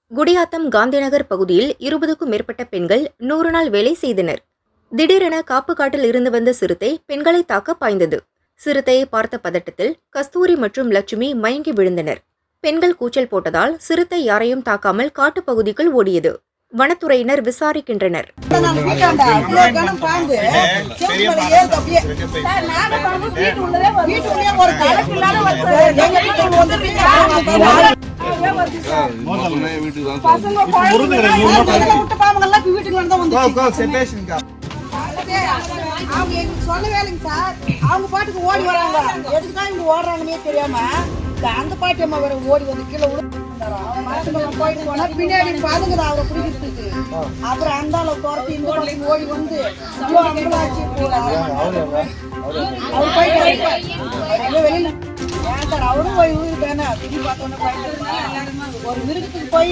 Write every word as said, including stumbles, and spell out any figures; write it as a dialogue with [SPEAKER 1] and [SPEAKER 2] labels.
[SPEAKER 1] குடியாத்தம் காந்திநகர் பகுதியில் இருபதுக்கும் மேற்பட்ட பெண்கள் நூறு நாள் வேலை செய்தனர். திடீரென காப்பு காட்டில் இருந்து வந்த சிறுத்தை பெண்களை தாக்க பாய்ந்தது. சிறுத்தையை பார்த்த பதட்டத்தில் கஸ்தூரி மற்றும் லட்சுமி மயங்கி விழுந்தனர். பெண்கள் கூச்சல் போட்டதால் சிறுத்தை யாரையும் தாக்காமல் காட்டுப் பகுதிக்குள் ஓடியது. வனத்துறையினர் விசாரிக்கின்றனர்.
[SPEAKER 2] சொல்ல வேலைங்க சார், அவங்க பாட்டுக்கு ஓடி வராங்க. எதுக்குதான் இங்க ஓடுறாங்கன்னே தெரியாம அந்த பாட்டி அம்மா வேற ஓடி வந்து கீழே போயிட்டு போனா பின்னாடி பாதுங்க அவரை பிடிக்கிறதுக்கு. அப்புறம் அந்த அளவு துரத்தி இந்த பக்கம் ஓடி வந்து அவர் போயிட்டு வெளியில அவரும் போய் ஊருக்கு தானே திடீர் பார்த்தோன்னே ஒரு மிருகத்துக்கு போய்